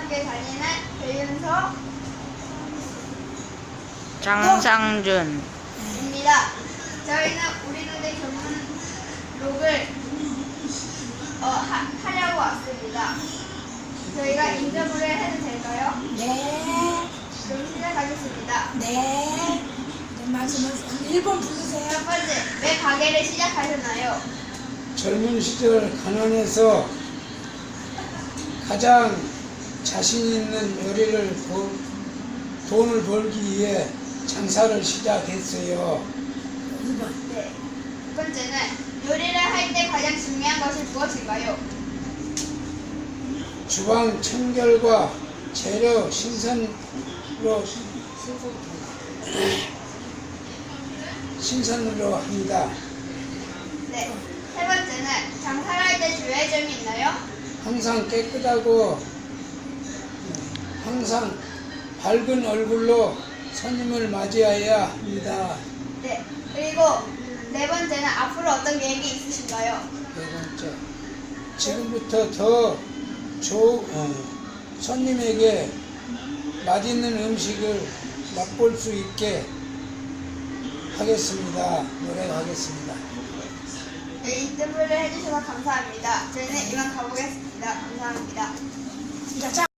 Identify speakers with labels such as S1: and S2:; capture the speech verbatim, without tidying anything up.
S1: 학교에 다니는 배윤서
S2: 장상준입니다.
S1: 저희는 우리 노래 전문록을 어, 하, 하려고 왔습니다. 저희가 인터뷰를 해도 될까요?
S3: 네.
S1: 그럼 시작하겠습니다.
S3: 네. 네, 말씀하세요. 일 번 부르세요.
S1: 첫 번째, 왜 가게를 시작하셨나요?
S4: 젊은 시절 가난해서 가장 자신 있는 요리를 보, 돈을 벌기 위해 장사를 시작했어요.
S3: 이 번.
S1: 네. 두 번째는 요리를 할 때 가장 중요한 것이 무엇일까요?
S4: 주방 청결과 재료 신선으로 신선으로 합니다.
S1: 네. 세 번째는 장사를 할 때 주의할 점이 있나요?
S4: 항상 깨끗하고 항상 밝은 얼굴로 손님을 맞이해야 합니다.
S1: 네. 그리고 네 번째는 앞으로 어떤 계획이 있으신가요?
S4: 네 번째, 지금부터 더 조, 어, 손님에게 맛있는 음식을 맛볼 수 있게 하겠습니다. 노력하겠습니다.
S1: 네, 인터뷰를 해주셔서 감사합니다. 저희는 이만 가보겠습니다. 감사합니다.
S3: 진짜 짱.